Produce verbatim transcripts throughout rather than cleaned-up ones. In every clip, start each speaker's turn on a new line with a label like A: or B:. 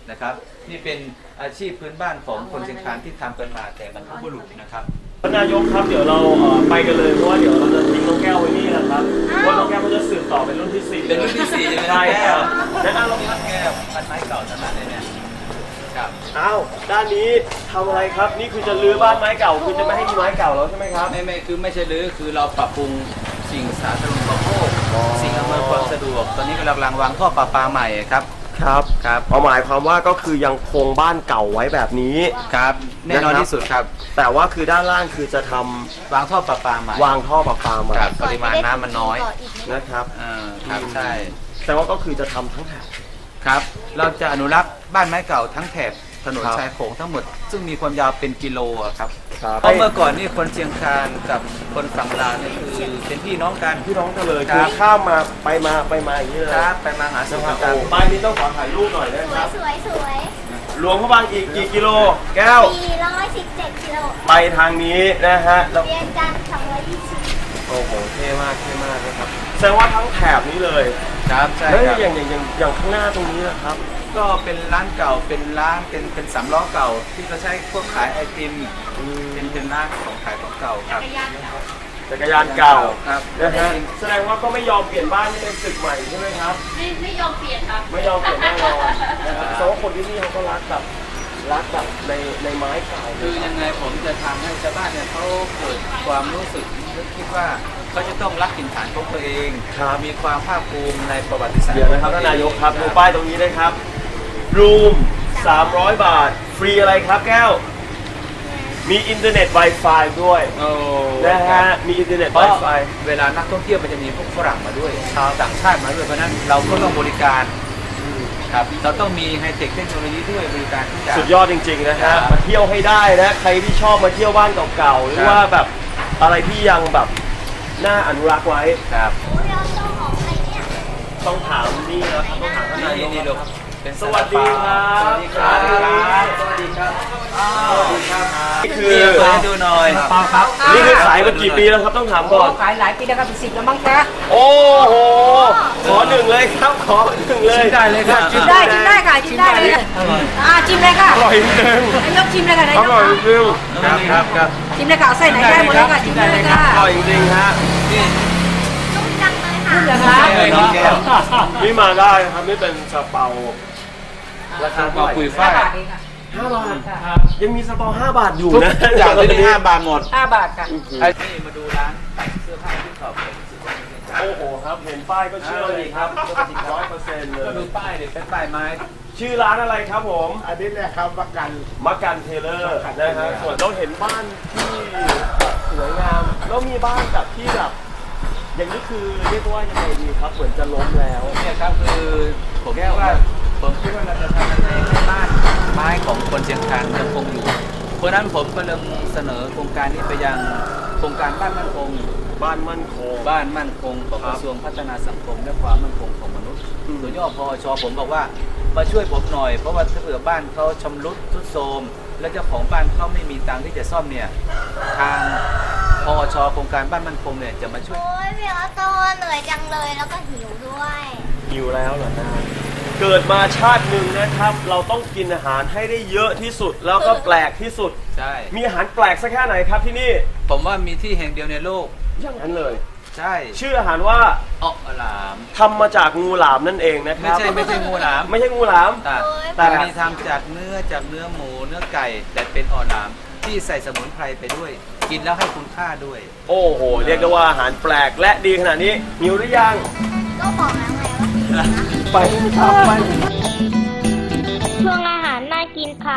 A: นะครับนี่เป็นอาชีพพื้นบ้านของคนเชียงคานที่ทำกันมาแต่บรรพบุรุษนะครับ
B: ท่านนายกครับเดี๋ยวเราเอ่อไปกันเลยเพราะว่าเดี๋ยวเราจะทิ้งน้องแก้วไว้นี่นะครับเพราะว่าน้องแก้วเขาจะสืบต่อเป็นรุ่นที่สี่
A: เป็นรุ่นที่สี่ใช่ไหม
B: ใช่ครับและอ้าว
A: นี่แก้วพันไม้เก่าทั้งนั้นเลยเนี่ยครับ
B: อ้าวด้านนี้ทำอะไรครับนี่คือจะรื้อบ้านไม้เก่าคือจะไม่ให้มีไม้เก่าแล้วใช่ไหมครับ
A: ไม่ไม่คือไม่ใช่รื้อคือเราปรับปรุงสิ่งสาธารณูปโภคสิ่งอำนวยความสะดวกตอนนี้กำลังวางท่อประปาใหม่ครับ
B: ครับ
A: ครับ
B: เอาหมายความว่าก็คือยังคงบ้านเก่าไว้แบบนี้
A: ครับแน่นอนที่สุดครับ
B: แต่ว่าคือด้านล่างคือจะทำ
A: วางท่อประปาใหม่
B: วางท่อประปาใหม่
A: ครับปริมาณน้ำมันน้อย
B: นะครับ
A: อ่าครับใช่
B: แต่ว่าก็คือจะทำทั้งแถบ
A: ครับ เราจะอนุรักษ์บ้านไม้เก่าทั้งแถบถนน
B: ครับ
A: ชายโขงทั้งหมด ซึ่งมีความยาวเป็นกิโลอะครับ
B: ครับ
A: เพราะเมื่อก่อนนี่คนเชียงคานกับคนฝั่งลาวนี่คือเป็นพี่น้องกัน
B: พี่น้องกันเลย
A: ครั
B: คือบ ข้ามมาไปมาไปมาอย่างนี้เลย
A: ครับไปมาหาสู่
B: นะครับ
A: กัน
B: โอ้ป้ายนี้ต้องขอถ่ายรูปหน่อยนะ
C: ส
B: คว รั
C: ย
B: บ
C: สวยสวย
B: หลวงพระบางอีกกี่กิโล แก้ว
C: สี่ร้อยสิบเจ็ดกิโล
B: ไปทางนี้นะฮะแล้ว
C: เรียนจันทร์สองร้อยยี่สิบ
B: โอ้โหเท่มากเท่มากนะครับแสดงว่าทั้งแถบนี้เลย
A: ครับใช่
B: แล้ว
A: ครับ
B: อย่างอย่างอย่างอย่างข้างหน้าตรงนี้นะครับ
A: ก็เป็นร้านเก่าเป็นร้านเป็นเป็นสามล้อเก่า ที่เขาใช้พวกขายไอติมเป็นเป็นร้านของขายของเก่าครับ
B: จักรยานเก่า
A: ครับ
B: นะฮะแสดงว่าก็ไม่ยอมเปลี่ยนบ้านให้เป็นตึกใหม่ใช่ไหมครับ
D: ไม่ไม่ยอมเปลี่ยนครับ
B: ไม่ยอมเปลี่ยนแน่นอนนะครับแสดงว่าคนที่นี่เขาก็รักแบบรักแบบในในไม้เก่า
A: คือยังไงผมจะทำให้ชาวบ้านเนี่ยเขาเกิดความรู้สึกนึกคิดว่าเขาจะต้องรักถิ่นฐานของตัวเองมีความภาคภูมิในประวัติศาสตร์
B: เดี๋ยวนะครับท่านนายกครับดูป้ายตรงนี้นะครับรูมสามร้อยบาท ฟรีอะไรครับแก้ว มีอินเทอร์เน็ต Wi-Fi ด้วย
A: โอ้
B: นะฮะมีอินเทอร์เน็ต
A: เพราะ
B: Wi-Fi
A: เวลานักท่องเที่ยวมันจะมีพวกฝรั่งมาด้วยชาวต่างชาติมาด้วยเพราะฉะนั้นเราก็ต้องบริการครับเราต้องมีไฮเทคเทคโนโลยีด้วยบริการทุกอย่าง
B: สุดยอดจริงๆนะ
A: ครั
B: ฮะ
A: บ
B: มาเที่ยวให้ได้นะ ใครที่ชอบมาเที่ยวบ้านเก่าๆ หรือ
A: ครับ
B: ว่าแบบอะไรที่ยังแบบน่าอนุรักษ์ไว้
A: ครับ
C: โอ้ยเราต้องออกไปเนี่ย
B: ต้องถามนี่นะครับต้องถามท่าน
A: นี่
B: นายก
A: นี่ลูกเป็น
B: สวัสดีครับ
A: สวัสดีครับ
B: สวัสดีครับ
A: สวัสดีครับ
B: นี่คื
A: นี่
B: อ
A: เปิดให้ดูหน่อย
E: ครับ
B: นี่คือขายมากี่ปีแล้วครับต้องถามก่อน
E: ขายหลายปีแล้วครับเป็นสิบแล้วมั้งคะ
B: โอ้โห ขอหนึ่งเลยครับ ขอหนึ่งเลย
A: ได้เลยครับ
E: ชิมได้ชิมได้ค่ะชิมได้เลยอ่าชิมเลยค่ะ
B: อร่อยจริง
E: นายกชิมเลยค่ะนาย
B: อก ร่อยจริง
A: ครับครับครับ
E: ชิมเลยค่ะเอาไส้ไหนได้หมดเลยค่ะชิมได้เลยค่ะ
B: อร่อยจริงๆฮะ
A: นี่
C: นุ่มจังเลยค่ะ
E: นุ่มเหรอคะ
A: เลยน้องแก้ว
B: นี่มาได้นะครับนี่เป็นซาเปาราคา
A: บอกคุย
E: ห้า
A: ฝ้าย
E: บาทเองค่ะ
B: ห้าบาทยังมีซาเปาห้าบาทอยู่
A: ทุก
B: นะ
A: อย่างที่นี่ห้าบาทหมด
E: ห้าบาทค่ะ
A: ไอ้นี่มาดูร้านตัดเสื้อผ้าที่ขอบเป็นสิบวัน
B: โอ้โหครับ เห็นป้ายก็เชื่อเลยครับร้อยเปอร์เซ็นต์เล
A: ก็
B: ย
A: ดูป้ายดิเป็นป้ายไม้
B: ชื่อร้านอะไรครับผม
F: อันนี้เนี่ยครับประกัน
B: มักกันเทเลอร์นะฮะส่วนเราเห็นบ้านที่สวยงามแล้วมีบ้านแบบที่แบบอย่างนี้คือเรียกว่ายังไงดีครับเหมือนจะล้มแล้ว
A: เนี่ยครับคือผมคิดว่าผมคิดว่าเราจะทำยังไงให้บ้านไม้ของคนเชียงคานยังคงอยู่ เพราะฉะนั้นผมก็เลยเสนอโครงการนี้ไปยังโครงการบ้านมั่นคง
B: บ้านมั่นคง
A: บ้านมั่นคงของกระทรวงพัฒนาสังคมและความมั่นคงของมนุษย์ตัวย่อพอชผมบอกว่ามาช่วยผมหน่อยเพราะว่าถ้าเผื่อบ้านเขาชำรุดทรุดโทรมและเจ้าของบ้านเขาไม่มีตังค์ที่จะซ่อมเนี่ยทางพอชโครงการบ้านมั่นคงเนี่ยจะมาช่วย
C: โอ้ยพี่ออโต้เหนื่อยจังเลยแล้วก็หิวด้วย
B: หิวแล้วเหรอนะเกิดมาชาติหนึ่งนะครับ เราต้องกินอาหารให้ได้เยอะที่สุด แล้วก็แปลกที่สุด
A: ใช่
B: มีอาหารแปลกสักแค่ไหนครับที่นี่
A: ผมว่ามีที่แห่งเดียวในโลก
B: อย่างนั้นเลย
A: ใช่
B: ชื่ออาหารว่า
A: ออกหลาม
B: ทำมาจากงูหลามนั่นเองนะค
A: ไม่
B: รับ
A: ใช่ไม่ใช่งูหลาม
B: ไม่ใช่งูหลาม
A: แต่
C: โอ้ย
A: แต่มีทำจากเนื้อจากเนื้อหมูเนื้อไก่แต่เป็นอ่อนหลามที่ใส่สมุนไพรไปด้วย กินแล้วให้คุณค่าด้วย
B: โอ้โห เรียกได้ว่าอาหารแปลกและดีขนาดนี้หิวหรือยัง
C: ก็บอกแล้วไงว่าหิวนะ
B: ไปครับไป
C: ช่วงอาหารน่ากินค่ะ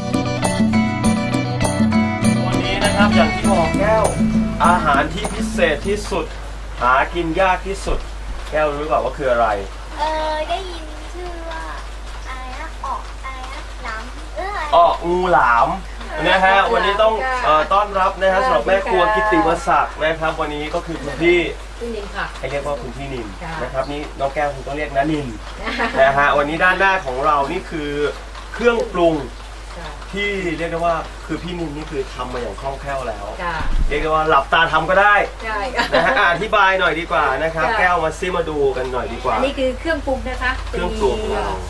B: วันนี้นะครับอย่างที่บอกแก้ว อาหารที่พิเศษที่สุด หากินยากที่สุด แก้วรู้เปล่าว่าคืออะไร
C: เออได้ยินชื่อว่าอะไรนะออกอะไรนะหล้ำเอออะไร
B: อ้องูหลามนะฮะวันนี้ต้องเอ่อต้อนรับนะฮะสำหรับแม่ครัวกิตติมศักดิ์นะครับ วันนี้ก็คือคุณพี่
E: คุณนิมค่ะ
B: ให้เรียกว่าคุณพี่นิน
E: ค่ะ
B: นะครับนี่น้องแก้วคุณต้องเรียกนะนินนะฮะวันนี้ด้านหน้าของเรานี่คือเครื่องปรุงที่เรียกได้ว่าคือพี่นินนี่คือทำมาอย่างคล่องแคล่วแล้ว
E: จ้า
B: เรียกได้ว่าหลับตาทำก็ได้
E: ใช่ค่ะ
B: นะฮะอ่ะอธิบายหน่อยดีกว่านะครับ
E: ค่ะ
B: แก้วมาซิมาดูกันหน่อยดีกว่า
E: อันนี้คือเครื่องปรุงนะคะ
B: เครื่องปรุงของเรา
E: อ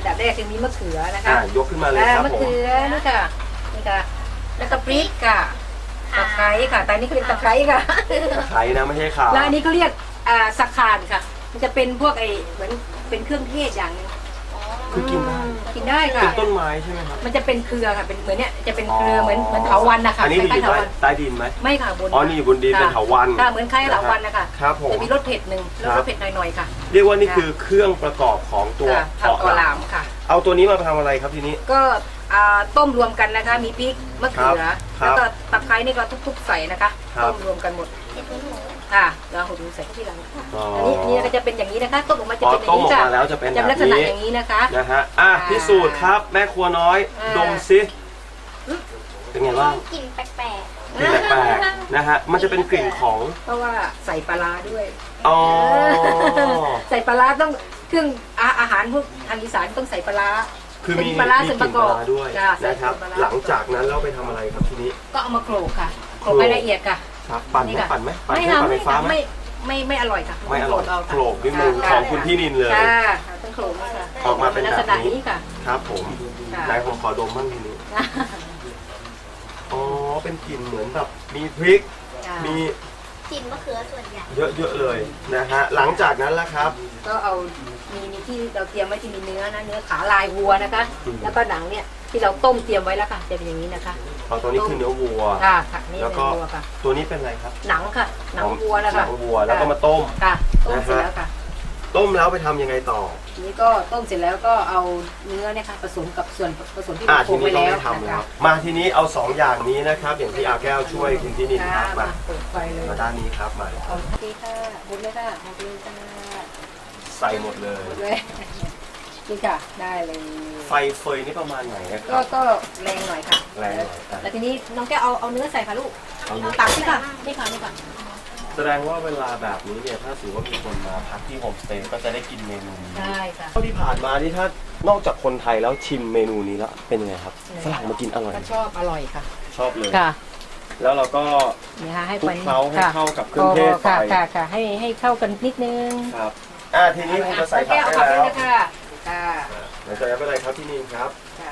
E: ดับแรกจะมีมะเขือนะคะ
B: อ่ายกขึ้นมาเลย
E: อ่า
B: ครับ
E: มะ
B: ผม
E: เขือนี่ค่ะนี่ค่ะแล้วก็พริกค่ะตะไคร้ค่ะแต่อันนี้เขาเรียกตะไคร้ค่ะ
B: ตะไคร้นะไม่ใช่ข่า
E: แล้วอันนี้เขาเรียกอ่าสักขานค่ะ มันจะเป็นพวกไอ้เหมือนเป็นเครื่องเทศอย่างหนึง
B: คือกินได้
E: กินได้ค่ะ
B: เป็นต้นไม้ใช่ไหมครับ
E: มันจะเป็นเครือค่ะเป็นเหมือนเนี้ยจะเป็นเครือเหมือนเหมือนเถาวัลย์นะคะ
B: อันนี้
E: ค
B: อยู่
E: ล้ายๆเถา
B: ใต้
E: วัลย์
B: ใต้ดินไหม
E: ไม่ค่ะบน
B: อ๋อนี่อยู่บนดินเป็นเถาวัลย์
E: ค่ะเหมือนคล้ายเถาวัลย์นะคะ
B: ครับผม
E: จะมีรสเผ็ดหนึ่งแล้วรสเผ็ดหน่อยๆค่ะ
B: เรียกว่านี่คือเครื่องประกอบของตัว
E: ค่ะผักกอหลามค่ะ
B: เอาตัวนี้มาทำอะไรครับทีนี้
E: ก็อ่าต้มรวมกันนะคะ มีพริกมะเขือ
B: ครับ
E: แล้วก็ตะไคร้นี่ก็ทุบๆใส่นะคะ
B: ครับ
E: ต้มรวมกันหมดค่ะแล้วหุงใส่ที่หลัง
B: อ๋อ
E: อันนี้อันนี้ก็จะเป็นอย่างนี้นะคะต้มออกมาจะ
B: พอ
E: เป็นอย่า
B: ต้
E: ง
B: ม
E: นี้
B: ออก
E: ค่ะ
B: มาแล้วจะเป็น
E: จะ
B: แบ
E: เป็นลั
B: บ
E: กษณะ
B: นี้
E: อย่างนี้นะคะ
B: นะฮะอ่ะ
E: อ่า
B: พิสูจน์ครับ แม่ครัวน้อย
E: อ่า
B: ดมซิเป็นไงบ้าง
C: กลิ่นแปลก
B: กลิ่นแปลกๆนะฮะมันจะเป็นกลิ่นของ
E: เพราะว่าใส่ปลาร้าด้วย
B: อ๋อ
E: ใส่ปลาร้าต้องเครื่องอาอาหารพวกทางอีสานต้องใส่ปลาร้า
B: คือมี
E: เป็นปลาร้า
B: มี
E: ส่วน
B: ก
E: ป
B: ลิ่น
E: ระ
B: ป
E: ก
B: ลา
E: อบ
B: ร้าด้วย
E: จ้ะใส่
B: นะครับ
E: ปลาร้า
B: หลังจากนั้นเราไปทำอะไรครับทีนี้
E: ก็เอามาโขลกค่ะโขลกให้ละเอียดค่ะ
B: ครับปั่นไหม
E: นี่ค่ะ
B: ปั่นไหมปั่น
E: ไม่
B: เครื่อง
E: ค่ะ
B: ปั่นไฟ
E: ไม่
B: ฟ้า
E: ค่ะ
B: ไหม
E: ไม่ไม่ไม่อร่อยค่ะ
B: ไม่อร่อย
E: เาค่ะ
B: โขลกด้วยมือ
E: ค่ะ
B: ของคุณพี่นินเลย
E: ค่ะต้องโขลกนี่ค่ะ
B: ออกมาเป็น
E: ลัก
B: แบ
E: ษ
B: บ
E: ณะ
B: นี้
E: นี้ค่ะ
B: ครับผม
E: ค่ะ
B: นายผมขอดมบ้างทีนี้อ๋อเป็นกลิ่นเหมือนแบบมีพริก
E: ค่ะ
B: มี
C: ๆกลิ่นมะเขือส่วนใหญ่
B: เยอะๆเลยนะฮะหลังจากนั้นละครับ
E: ก็เอามีมีที่เราเตรียมไว้ที่มีเนื้อนะเนื้อขาลายวัวนะคะ
B: อืม
E: แล้วก็หนังเนี่ยที่เราต้มเตรียมไว้แล้วค่ะจะเป็นอย่างนี้นะคะ
B: เอาตัวนี้คือเนื้อวัว
E: ค่ะค่ะนี่
B: แล้ว
E: เนื้
B: ก็
E: อวัวค่ะ
B: ตัวนี้เป็นอะไรครับ
E: หนังค่ะหนังวัวนะ
B: ห
E: คะ
B: นังวัวแล้วก็มาต้ม
E: ค่ะต้มเสร็จแล้วค่ะ
B: ต้มแล้วไปทำยังไงต่อ
E: ทีนี้ก็ต้มเสร็จแล้วก็เอาเนื้อเนี่ยค่ะผสมกับส่วนผสมที่
B: อ่า
E: เราโขล
B: ที
E: ก
B: นี้
E: ไว้
B: เรา
E: แล้ว
B: ไม่ทำ
E: นะ
B: แล้
E: คะ
B: วมาทีนี้เอาสองอย่างนี้นะครับ อย่างที่อาแก้วช่วยคุณพี่นินค
E: ค่ะ
B: รับมา
E: มาเปิดไฟเลย
B: มาด้านนี้ครับมา
E: เอาทีค่ะหมดเลยค่ะหมดเลยค่ะ
B: ใส่หมดเลย
E: หมดเลยนี่ค่ะได้เลย
B: ไฟเฟยนี่ประมาณไหนนะค
E: ก็
B: รับ
E: ก็แรงหน่อยค่ะ
B: แรงหน่อยอ่ะ
E: แล้วทีนี้น้องแก้วเอาเอาเนื้อใส่ค่ะลูก
B: เอาเนื้อ
E: ตักนี่ค่ะนี่ค่ะนี่ค่ะ
B: แสดงว่าเวลาแบบนี้เนี่ยถ้าถือว่ามีคนมาพักที่โฮมสเตย์ก็จะได้กินเมนูนี้
E: ได้ค่ะ
B: เท่าที่ผ่านมานี่ถ้านอกจากคนไทยแล้วชิมเมนูนี้แล้วเป็นยังไงครับฝรั่งมากินอร่อย
E: ก็ชอบอร่อยค่ะ
B: ชอบเลย
E: ค่ะ
B: แล้วเราก็
E: นี่ค่ะให้
B: คลุ
E: ไป
B: กเคล้าให้
E: ค่ะ
B: เข้ากับเครื่องเทศไป
E: ค่ะค่ะค่ะให้ให้เข้ากันนิดนึง
B: ครับอ่าทีนี้คุณจะใส่ผัก
E: แก้ว
B: ได้
E: เอาผัก
B: แล้
E: ด้วย
B: ว
E: นะคะค่ะ
B: หลังจากนั้นเป็นอะไรครับที่นี่ครับ
E: ค่ะ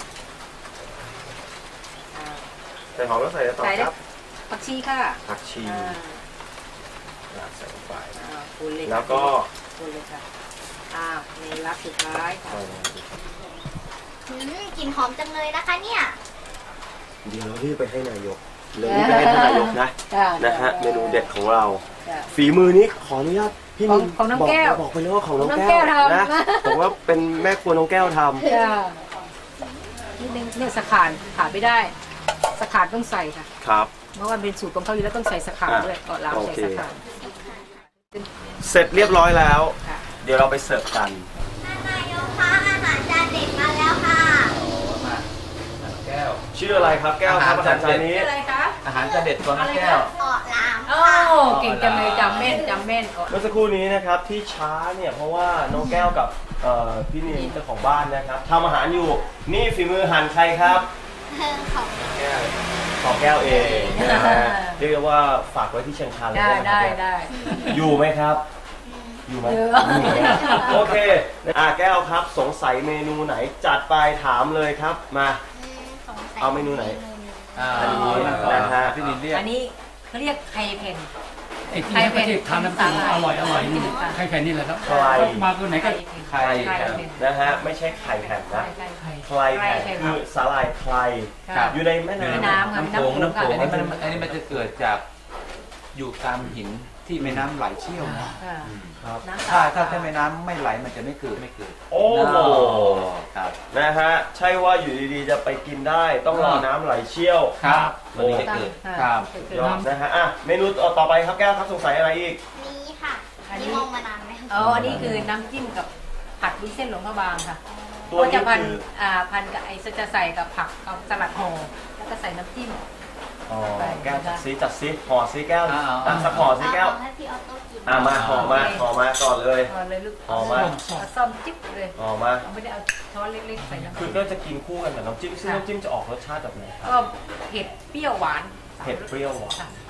E: อ่า
B: ใส่หอมแล้วใส่อะไรต่อ
E: ใส่
B: ค
E: ได้
B: รับ
E: ผักชีค่ะ
B: ผักชี
E: อ่า
B: อ่าใส่ลงไป
E: อ่าคนเลยค่ะ
B: แล้วก็
E: คนเลยค่ะอ่าในรักสุดท้ายค่ะ
B: เอา
C: อืมกลิ่นหอมจังเลยนะคะเนี่ย
B: เดี๋ยวเรารีบไปให้นายกเลยรีบไปให้ท่านนายกนะ
E: ค่ะ
B: นะฮะเมนูเด็ดของเรา
E: ค่ะ
B: ฝีมือนี้ขออนุญาตพี่นิน
E: ของของน้อง
B: บ
E: แก้ว
B: บอกไปเลยว่าของน้อง
E: น้อง
B: แก้ว
E: แก้วทำ
B: นะผมว่าเป็นแม่ครัวน้องแก้วทำ
E: ค่ะนิดนึงเนี่ยสะขานขาดไม่ได้สะขานต้องใส่ค่ะ
B: ครับ
E: เพราะว่าเป็นสูตรของเขาอยู่แล้วต้องใส่สะขาน
B: อ่ะ
E: ด้วยก่อนล้าง
B: โอ
E: ใส่
B: เค
E: สะขาน
B: เสร็จเรียบร้อยแล้ว
E: ค่ะ
B: เดี๋ยวเราไปเสิร์ฟกัน
C: นายกคะอาหารจานเด็ดมาแล้วค่ะ
A: มาแก้ว
B: ชื่ออะไรครับแก้วครับอาหารจานนี้
E: อะไรคะ
A: อาหารจะเด็ดของน้องแก้ว
C: เกาะลาม
E: โอ้เก่งจังเลยจำแม่นจำแม่นก่อน
B: เมื่อสักครู่นี้นะครับที่ช้าเนี่ยเพราะว่าน้องแก้วกับเอ่อพี่นินเจ้าของบ้านนะครับทำอาหารอยู่นี่ฝีมือหั่นใครครับ
C: ของ
B: แก้วของแก้วเองนะฮะเรียกได้ว่าฝากไว้ที่เชียงคานเลย
E: ได้
B: นะค
E: ได้
B: รับ
E: ได้
B: อยู่ไหมครับ อยู่ไหม
E: เยอะ
B: อยู่นะโอเคอ่าแก้วครับสงสัยเมนูไหนจัดไปถามเลยครับมา
C: สงสัย
B: เอาเมนูไหน
A: อ่า
B: อันนี้
A: นะ
B: นะฮะ
A: พี่นินเรียก
E: อันนี้เขาเรียกไข่เผ็ด
F: ไอ้ที่ให้ประเทศทำน้ำจิ้มอร่อยอร่อยนี่ใครแค่นี้แหละครับ
B: ใคร
F: มาตัวไหนก็
A: ใคร
E: ไข่
A: ครับ
E: เผ็ด
B: นะฮะไม่ใช่ไข่แผ่นนะ
E: ไข่ไข่
B: ใครแผ่นคือสาหร่ายใคร
E: ครับ
B: อยู่ในแม่
E: แม่
B: น้ำ
E: น้ำค่ะ
A: น้ำโขงน้ำโขง
E: น้ำ
A: อัน
E: โข
A: นี้
E: ง
A: มันอันนี้มันจะเกิดจากอยู่ตามหินที่แม่น้ำไหลเชี่ยวนะ
E: ค่ะ
B: ครับ
E: น้ำ
A: ถ้าถ้าถ้าแม่น้ำไม่ไหลมันจะไม่เกิดไม่เกิด
B: โอ้โห
A: ครับ
B: นะฮะใช่ว่าอยู่ดีๆจะไปกินได้ต้องรอน้ำไหลเชี่ยว
A: ครับมันถึงจะเกิดครับ
B: ยอดนะฮะอ่ะเมนูต่อไปครับแก้วครับสงสัยอะไรอีก
C: นี้ค่ะ
E: อันนี้
C: นี่มองมานานไหม
E: อ๋ออันนี้คือน้ำจิ้มกับผัดวุ้นเส้นหลวงพระบางค่ะ
B: ตัว
E: ก็
B: นี้
E: จะพัน
B: คือ
E: อ่าพันกับไอ้จะใส่กับผักกับสลัดห่อแล้วก็ใส่น้ำจิ้ม
B: อ๋อแก้วจัดซิจัดซิห่อซิแก้ว
A: เอาเอา
B: อ่ะสักห่อซิแก้ว
C: เอาให้พี่ออโต้กิน
B: อ่ะมาห่อมาห่อมาก่อนเลย
E: เอาเลยลูก
B: ห่อมา
E: เอาซ่อมจิ๊บเลย
B: ห่อมา
E: เอาไม่ได้เอาช้อนเล็กๆใส่น้ำ
B: คือ
E: จิ้ม
B: ก็จะกินคู่กันกับน้ำจิ้มซึ่งน้ำจิ้มจะออกรสชาติแบบไหนครับ
E: ก็เผ็ดเปรี้ยวหวาน
B: เผ็ดเปรี้ยวหวาน
E: ค่ะ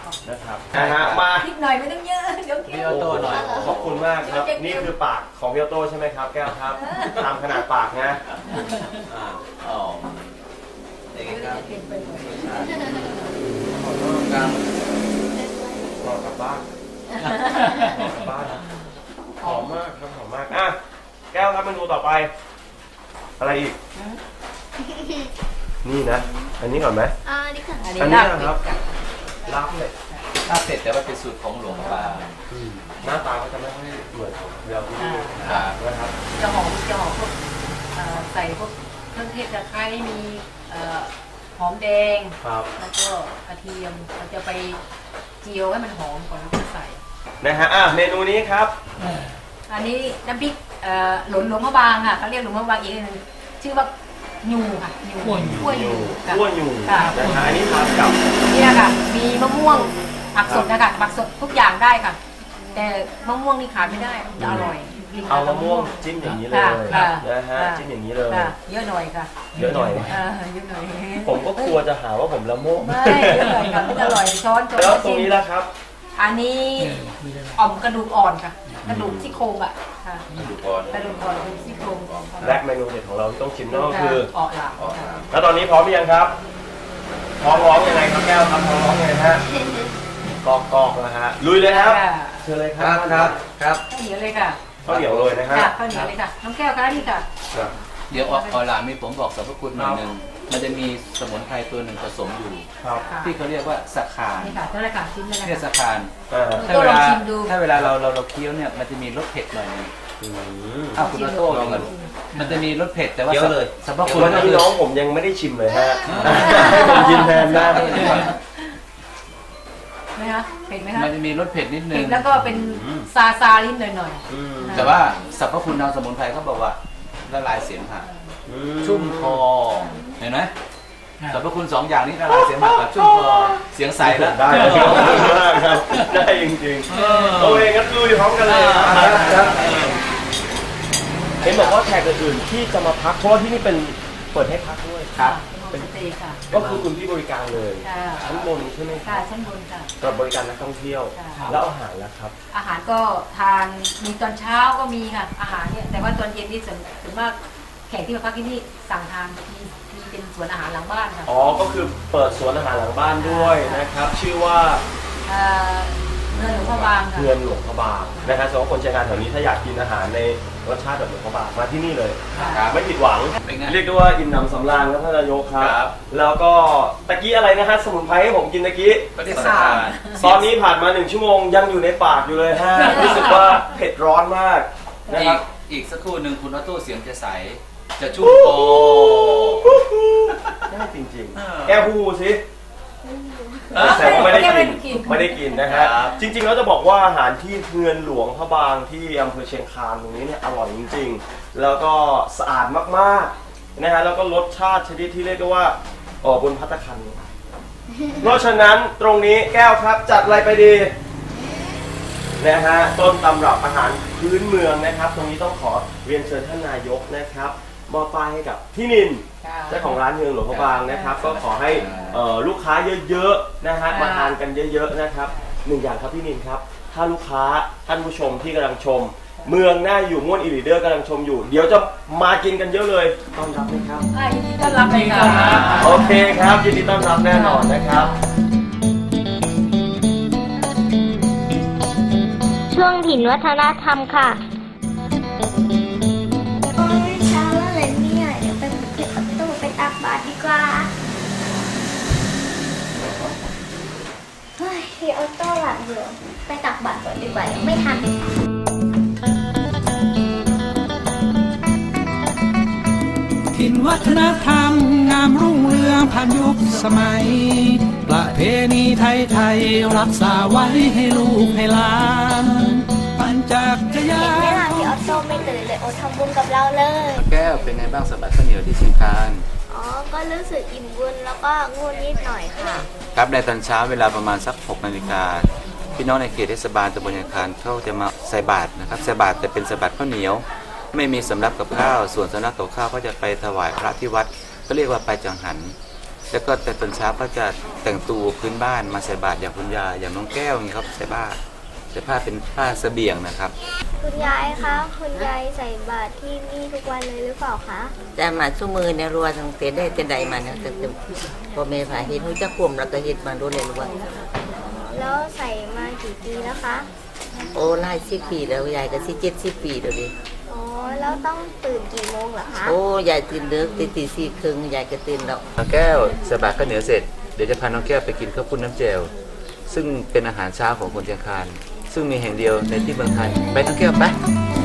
B: นะครับนะฮะมา
E: นิดหน่อยไม่ต้องเยอะเดี๋ยวเคี้
A: พี่
E: ยว
A: ออโต้หน่อย
B: ขอบคุณมากครับ นี่คือปากของพี่ออโต้ใช่ไหมครับแก้วครับตามขนาดปากนะอ่า
A: อ๋อเด็กครับ
E: เค็มไปหน่อย
A: ครับ
B: รอกลับบ้านรอกลับบ้านหอมมากครับหอมมากอ่ะแก้วครับเมนูต่อไป อะไรอีก นี่นะ อันนี้ก่อนไหม
C: อ่านี่ค่ะ
E: อันนี้
B: อันนี้
E: ลาบ
B: นะครับ
E: เป็ด
B: ลาบเป็ด
A: ลาบเป็ดแต่ว่าเป็นสูตรของหลวงปลา
B: หน้าตาก็จะไม่ค่อยเหมือนของเราที่นี่
A: ครับ
B: นะครับ
E: จะหอมจะหอมพวกเอ่อใส่พวกเครื่องเทศตะไคร้มีเอ่อหอมแดง
B: ครับ
E: แล้วก็กระเทียมเราจะไปเจียวให้มันหอมก่อนแล้วก็ใส่
B: นะฮะอ่ะเมนูนี้ครับ
E: อันนี้น้ำพริกเอ่อหลนหลวงพระบางค่ะเขาเรียกหลวงพระบางอีกอันหนึงชื่อว่ายูค่ะยู
F: ขั้วยู
E: ขั้วยูค่ะ
B: ขั้วอยู่
E: ค่ะ
B: นะฮะอันนี้ทานกับ
E: เนี่ยค่ะ มีมะม่วงผักสดนะคะผักสดทุกอย่างได้ค่ะ แต่มะม่วงนี่ขาดไม่ได้จะอร่อยกิน
B: เอา
E: กับ
B: มะม่วงจิ้มอย่างนี้เลย
E: ค่ะค่ะ
B: นะฮะ
E: ค่ะ
B: จิ้มอย่างนี้เลย
E: ค่ะเยอะหน่อยค่ะ
B: เยอะหน่อย
E: เออเยอะหน่อย
B: ผมก็กลัวจะหาว่าผมละโมบ
E: ไม่เยอะหน่อยค่ะมันอร่อยช้อนช้อน
B: แล้วตรงนี้ล่ะครับ
E: อันนี้อ่อมกระดูกอ่อนค่ะ กระดูกซี่โครงอ่ะค่ะ
A: ดูก่อน
E: กระดูกอ่อนเป็นซี่โครงอ่อน
B: และเมนูเด็ดของเราที่ต้องชิมนั่นก็คือ
E: ออกหลังค่ะ
B: แล้วตอนนี้พร้อมหรือยังครับท้องร้องยังไงครับแก้วครับท้องร้องยังไงฮะกอกกอกนะฮะลุยเลยครับ
E: ค่ะ
B: เชิญเลยค
A: ค
B: รั
A: รั
B: บบ
A: ครับครับ
E: ข้าวเหนียวเลยค่ะ
B: ข้าวเหนียวเลยนะฮะ
E: ค่ะข้าวเหนียวเลยค่ะน้องแก้วคะนี่ค่ะ
B: ครับ
A: เดี๋ยวออหลานมีผมบอกสรรพคุณหน่อยหนึ่งมันจะมีสมุนไพรตัวหนึ่งผสมอยู่
B: ครับ
E: ค่ะ
A: ที่เขาเรียกว่าสะคาน
E: นี่ค่ะนั่นแหละค่ะชิ้นนั่นแหละ
A: เนี่ย
E: ค่ะ
A: สะคาน
B: อ่า
A: ถ้าเวลา
E: ลองชิมดู
A: ถ้าเวลาเราเราเราเคี้ยวเนี่ยมันจะมีรสเผ็ดหน่อยหนึง
B: อืม
A: อ้าวคุณออโต้ลองกันมันจะมีรสเผ็ดแต่ว่า
F: เคี้ยวเลย
A: สรรพคุณ
B: วัน
A: ก็
B: นี้
A: คือ
B: น้องผมยังไม่ได้ชิมเลยฮะให้ผมชิมแทนนะ
E: ไหมคะเผ็ดไหมคะ
A: มันจะมีรสเผ็ดนิดนึ
E: เผ็
A: ง
E: ดแล้วก็เป็นซาซาลิ้นหน่อย
B: อืม
E: ๆ
A: แต่ว่าสรรพคุณทางสมุนไพรเขาบอกว่าละลายเสมหะ
B: อื
A: ชุ่มคอเห็นไหมสรรพคุณสองอย่างนี้ละลายเสมหะกับชุ่มคอเสียงใสแล้ว
B: ได้เลยครับได้จริงๆโอเคงั้นลุยพร้อมกันเลยครับเห็นบอกว่าแขกอื่นๆที่จะมาพักเพราะว่าที่นี่เป็นเปิดให้พักด้วย
A: ครับ
E: เป็นโฮมสเตย์ค่ะ
B: ก็คือคุณพี่บริการเลย
E: ค่ะ
B: ชั้นบนใช่ไหมค
E: ค่ะ
B: รับ
E: ชั้นบนค่ะ
B: สำหรับบริการนักท่องเที่ยว
E: ค่ะ
B: แล้วอาหารล่ะครับ
E: อาหารก็ทานมีตอนเช้าก็มีค่ะ อาหารเนี่ยแต่ว่าตอนเย็นนี่ส่วนส่วนมากแขกที่มาพักที่นี่สั่งทานมีมีเป็นสวนอาหารหลังบ้านค่ะ
B: อ๋อ ก็คือเปิดสวนอาหารหลังบ้านด้วยนะครับ ชื่อว่า
E: เอ่อเงินหลวงพ่อบางค่ะ
B: เฮือนหลวงพระบางนะครับสำหรับคนใช้งานแถวนี้ถ้าอยากกินอาหารในรสชาติแบบหลวงพระบางมาที่นี่เลย
A: ครับ
B: ไม่ผิดหวัง
A: เป็นไง
B: เรียกได้ว่าอิ่มหนำสำราญครับท่านนายกครั
A: ครับ บ
B: แล้วก็ตะกี้อะไรนะฮะสมุนไพรให้ผมกินตะกี้
A: ก็เรียกสะคาน
B: ตอนนี้ผ่านมาหนึ่งชั่วโมงยังอยู่ในปากอยู่เลยฮะ รู้สึกว่าเผ็ดร้อนมากนะ
A: อี
B: ครั
A: ก
B: บ
A: อีกสักครู่หนึ่งคุณออโต้เสียงจะใส จะชุ่มคอ
B: ได้จริง
A: อ่า
B: ๆ แก้พูสิแต่ว่าไม่ได้กินไม่ได้กินนะฮะ
A: ครับ
B: จริงๆแล้วจะบอกว่าอาหารที่เฮือนหลวงพระบางที่อำเภอเชียงคานตรงนี้เนี่ยอร่อยจริงๆ แล้วก็สะอาดมากๆนะฮะแล้วก็รสชาติชนิดที่เรียกได้ว่าอ๋อบนภัตตาคารเพราะฉะนั้นตรงนี้แก้วครับจัดอะไรไปดีนะฮะต้นตำรับอาหารพื้นเมืองนะครับ ตรงนี้ต้องขอเรียนเชิญท่านนายกนะครับมอบป้ายให้กับพี่นิน
E: ค่ะ
B: เจ้าของร้านเฮืองหลวงพระบางนะครับ ก็ขอให้เอ่อลูกค้าเยอะๆนะฮะมาทานกันเยอะๆนะครับหนึ่งอย่างครับพี่นินครับ ถ้าลูกค้าท่านผู้ชมที่กำลังชม เมืองหน้าอยู่ม่วนอีลีเดอร์กำลังชมอยู่ เดี๋ยวจะมากินกันเยอะเลยต้อนรับไหมครับ
E: อ่ายินดีต้อนรับเลยค่ะ
B: โอเคครับยินดีต้อนรับแน่นอนนะครับ
C: ช่วงถิ่นวัฒนธรรมค่ะโอ้ยเช้าแล้วเลยเนี่ยเดี๋ยวไปเก็บประตูไปตักบาตรดีกว่าเฮ้ยพี่ออโต้หลับอยู่ไปตักบาตรก่อนดีกว่ายังไม่ทัน
G: ถิ่นวัฒนธรรมงามรุ่งเรืองผ่านยุคสมัย ประเพณีไทยไทยรักษาไว้ให้ลูกให้หลานปั่นจักรยา
C: เห็นไหม
G: น
C: ล่ะพี่ออโต้ไม่ตื่นเลยโอทำบุญกับเราเลย
A: แก้วเป็นไงบ้างสบัดข้าวเหนียวที่เชียงคาน
C: อ๋อ ก็รู้สึกอิ่มบุญแล้วก็ง่วงนิดหน่อยค่ะ
A: ครับในตอนเช้าเวลาประมาณสักหกนาฬิกาพี่น้องในเขตเทศบาลตำบลเชียงคานเขาจะมาใส่บาตรนะครับใส่บาตรแต่เป็นใส่บาตรข้าวเหนียว ไม่มีสำรับกับข้าวส่วนสำรับกับข้าวก็จะไปถวายพระที่วัดก็เรียกว่าไปจังหันแล้วก็แต่ตอนเช้าก็จะแต่งตัวพื้นบ้านมาใส่บาตรอย่างคุณยายอย่างน้องแก้วอย่างนี้ครับใส่บาตรใส่ผ้าเป็นผ้าเสบียงนะครับ
C: คุณยายคะ คุณยายใส่บาตรที่นี่ทุกวันเลยหรือเปล่าคะ
H: แต่มาสู้มือในรัวทั้งเตได้แต่ใดมาเนี่ยแต่แต่พอเมษาเห็นหูจะข่มแล้วก็เห็ดมาดูเลยรู้ว่า
C: แล้วใส่มากี่ปีแล้วคะ
H: โอ้ไล่สิบปีแล้วยายก็สิเจ็ดสิบปีแล้วดิ
C: อ๋อ แล้วต้องตื่นกี่โมงเหรอคะ
H: โอ้ยายตื่นเด็กตีตีสี่ครึ่งยายก็ตื่นแล้ว
A: น้องแก้วใส่บาตรข้าวเหนียวเสร็จเดี๋ยวจะพาน้องแก้วไปกินข้าวปุ้นน้ำแจ่วซึ่งเป็นอาหารเช้าของคนเชียงคานซึ่งมีแห่งเดียวในที่เมืองไทยไปน้องแก้วไป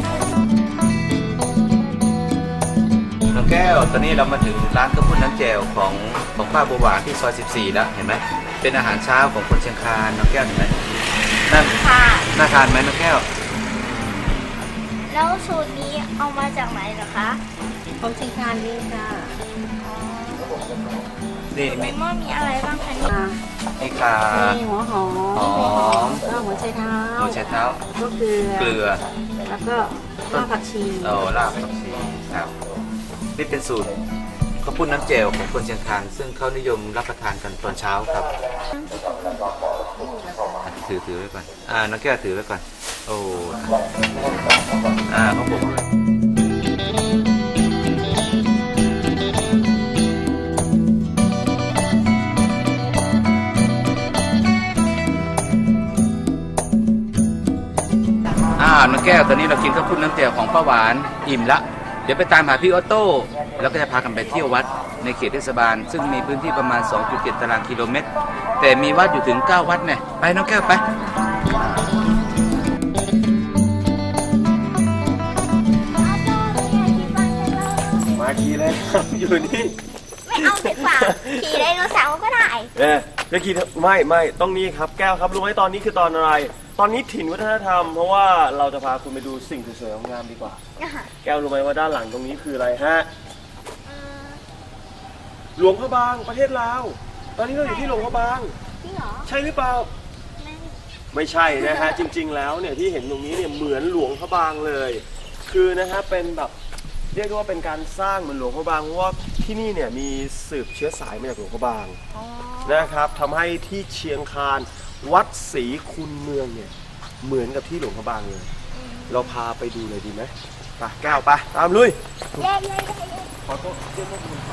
A: น้องแก้วตอนนี้เรามาถึงร้านข้าวปุ้นน้ำแจ่วของของป้าบัวหวานที่ซอยสิบสี่แล้วเห็นไหมเป็นอาหารเช้าของคนเชียงคานน้องแก้วเห็นไหมนั่น
C: ค่ะ
A: น่าทานไหมน้องแก้ว
C: แล้วสูตรนี้เอามาจากไหนเหรอคะ
E: ของเชียงคานนี่ค่ะ
A: นี่
C: ใน
A: มี
C: หม้อมีอะไรบ้างคะเนี่ย
A: มีข่า
E: มีหัวหอม
A: หอม
E: แล้วก็หัวไชเท้า
A: หัวไชเท้า
E: ก็เกลือ
A: เกลือ
E: แล้วก็รากผักชี
A: โอ้ลาบผักชีครับนี่เป็นสูตรข้าวปุ้นน้ำแจ่วของคนเชียงคานซึ่งเขานิยมรับประทานกันตอนเช้าครับอ่ะถือถือไว้ก่อนอ่าน้องแก้วถือไว้ก่อนโอ้อ่าเขาบอกเลยอ่าน้องแก้วตอนนี้เรากินข้าวปุ้นน้ำแจ่วของป้าหวานอิ่มละเดี๋ยวไปตามหาพี่ออโต้แล้วก็จะพากันไปเที่ยววัดในเขตเทศบาลซึ่งมีพื้นที่ประมาณ สองจุดเจ็ด ตารางกิโลเมตร แต่มีวัดอยู่ถึง เก้า วัดเนี่ยไปน้องแก้วไป
B: มาขี่เลยครับ อยู่นี่
C: ไม่เอาดีกว่า ขี่ไดโนเสาร์ก็ได้
B: เอ๊ะจะขี่เถอะไม่ไม่ต้องนี่ครับแก้วครับรู้ไหมตอนนี้คือตอนอะไร ตอนนี้ถิ่นวัฒนธรรม เพราะว่าเราจะพาคุณไปดูสิ่งสวยๆงามๆดีกว่า แก้วรู้ไหมว่าด้านหลังตรงนี้คืออะไรฮะ หลวงพระบางประเทศลาว ตอนนี้เราอยู่ที่หลวงพระบาง
C: จริงเหรอ
B: ใช่หรือเปล่า ไม่ใช่นะฮะ จริง ๆ แล้วเนี่ยที่เห็นตรงนี้เนี่ยเหมือนหลวงพระบางเลย คือนะฮะเป็นแบบเรียกได้ว่าเป็นการสร้างเหมือนหลวงพระบางเพราะว่าที่นี่เนี่ยมีสืบเชื้อสายมาจากหลวงพระบางนะครับทำให้ที่เชียงคานวัดศรีคุณเมืองเนี่ยเหมือนกับที่หลวงพระบางเลย เราพาไปดูเลยดีไหมไปแก้วไปตามลุย
C: เย้เย้เย้เย้
B: ขอโทษเรียกว่าคุณพา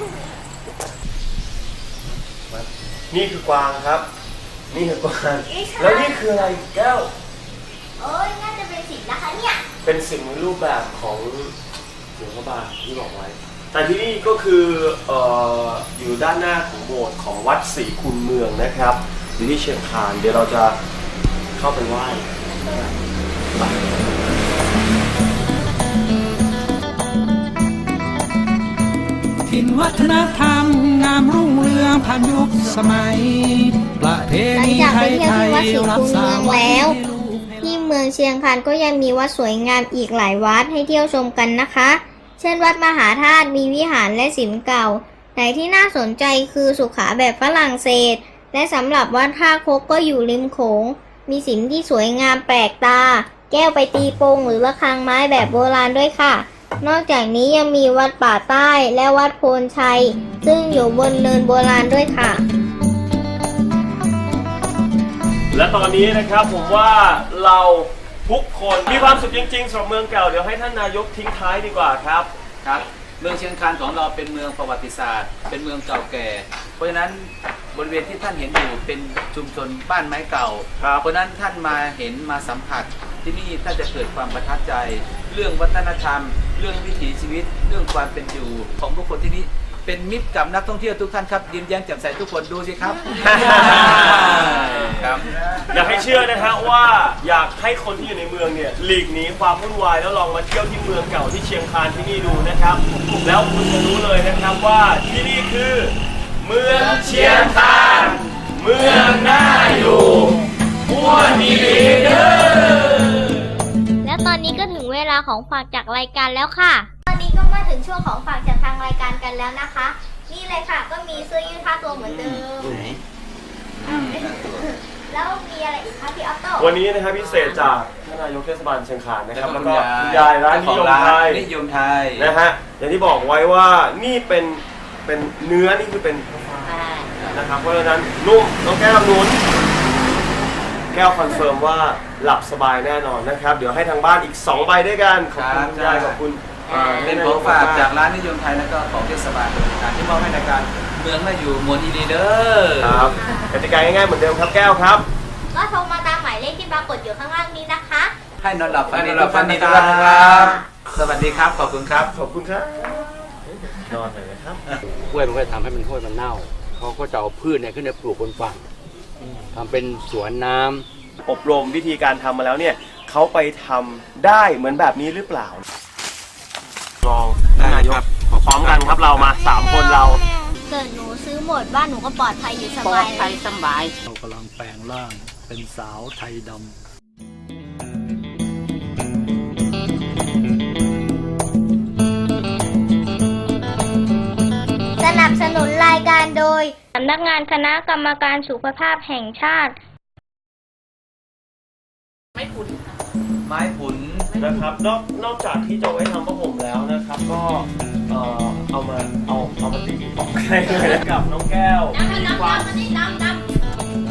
B: นี่คือกวางครับ นี่คือกวางแล้วนี่คืออะไรแก้ว
C: โอ้ยน่าจะเป็นสิบนะคะเนี่ย
B: เป็นสิ่งในรูปแบบของหลวงพระบางที่บอกไว้ แต่ที่นี่ก็คือเอ่ออยู่ด้านหน้าของโบสถ์ของวัดศรีคุณเมืองนะครับอยู่ที่เชียงคานเดี๋ยวเราจะเข้าไปไหว้ไป
G: ถิ่นวัฒนธรรมงามรุ่งเรืองผ่านยุคสมัย ประเพ
C: หลัง
G: ณี
C: จาก
G: ไท
C: ไป
G: ย
C: เที่ยว
G: ไทย
C: ที่วัดศรี
G: รั
C: คู
G: ก
C: ณ
G: ษา
C: เมือง
G: ไว้
C: แล้ว
G: ให้ลูกให้หลาน
C: ที่เมืองเชียงคานก็ยังมีวัดสวยงามอีกหลายวัดให้เที่ยวชมกันนะคะ เช่นวัดมหาธาตุมีวิหารและศิลป์เก่าแต่ที่น่าสนใจคือสุขาแบบฝรั่งเศส และสำหรับวัดท่าคกก็อยู่ริมโขงมีศิลป์ที่สวยงามแปลกตา แก้วไปตีโป่งหรือระฆังไม้แบบโบราณด้วยค่ะ นอกจากนี้ยังมีวัดป่าใต้และวัดโพนชัย ซึ่งอยู่บนเนินโบราณด้วยค่ะ
B: และตอนนี้นะครับผมว่าเราทุกคนมีความสุขจริงๆสำหรับเมืองเก่าเดี๋ยวให้ท่านนายกทิ้งท้ายดีกว่าครับ
A: ครับเมืองเชียงคานของเราเป็นเมืองประวัติศาสตร์ เป็นเมืองเก่าแก่ เพราะฉะนั้นบริเวณที่ท่านเห็นอยู่เป็นชุมชนบ้านไม้เก่า
B: ครับ
A: เพราะฉะนั้นท่านมาเห็นมาสัมผัสที่นี่ท่านจะเกิดความประทับใจ เรื่องวัฒนธรรม เรื่องวิถีชีวิต เรื่องความเป็นอยู่ของผู้คนที่นี่เป็นมิตรกับนักท่องเที่ยวทุกท่านครับยิ้มแย้มแจ่มใสทุกคนดูสิครับ ครับ
B: อยากให้เชื่อนะฮะว่าอยากให้คนที่อยู่ในเมืองเนี่ยหลีกหนีความวุ่นวายแล้วลองมาเที่ยวที่เมืองเก่าที่เชียงคานที่นี่ดูนะครับ แล้วคุณจะรู้เลยนะครับว่าที่นี่คือเมืองเชียงคานเมืองน่าอยู่ม้วนดีเด้อ
C: และตอนนี้ก็ถึงเวลาของฝากจากรายการแล้วค่ะ ตอนนี้ก็มาถึงช่วงของฝากจากทางรายการกันแล้วนะคะ นี่เลยค่ะก็มีเสื้อยืดผ้าตัวเหมือนเดิมแล้วมีอะไรอีกคะพี่ออโต้
B: วันนี้นะครับพิเศษจากท่านนายกเทศบาลเชียงคานนะครับ
A: แล้
B: แล้ว ว
A: ก็
B: ก็
A: คุ
B: คุณ ณ
A: ยาย
B: ยายร้านนิยมไทย
A: นิยมไทย
B: นะฮะอย่างที่บอกไว้ว่านี่เป็นเป็นเนื้อนี่คือเป็นนะครับเพราะฉะนั้นนุ่มน้องแก้วหนุนแก้วคอนเฟิร์มว่าหลับสบายแน่นอนนะครับเดี๋ยวให้ทางบ้านอีกสองใบด้วยกันขอบคุณคุณยายขอบคุณอ่า
A: เป็นของฝากจากร้านนิยมไทยแล้วก็ของเทศบาลบริการที่มอบให้ในการเมืองน่าอยู่มวลอีดีเด้อ
B: ครับกติกาง่ายๆเหมือนเดิมครับแก้วครับ
C: ก็โทรมาตามหมายเลขที่ปรากฏอยู่ข้างล่างนี้นะคะ
A: ให้นอนหลับฝันดีทุกท่านนะครับ สวัสดีครับ ขอบคุณครับ
B: ขอบคุณครับนอนเลยนะครับ
F: กล้วยมันก็ทำให้มันห้วยมันเน่าเขาก็จะเอาพืชเนี่ยขึ้นไปปลูกบนฝั่งทำเป็นสวนน้ำ
B: อบรมวิธีการทำมาแล้วเนี่ยเขาไปทำได้เหมือนแบบนี้หรือเปล่าลองท่านนายกพร้อมกันครับเรามาสามคนเรา
C: เกิดหนูซื้อหมดบ้านหนูก็ปลอดภัยอยู่ส
E: ปล
C: บา
E: อย ดภัยสบาย
I: เรากำลังแปลงร่างเป็นสาวไทยดำ
C: สนับสนุนรายการโดยสำนักงานคณะกรรมการสุขภาพแห่งชาติ
A: ไม้ผุน
B: นะครับนอกนอกจากที่จะไว้ทำผ้าห่มแล้วนะครับ ก็เอ่อเอามาเอาเอามาตีออกให้เลยกับน้องแก้วมีความ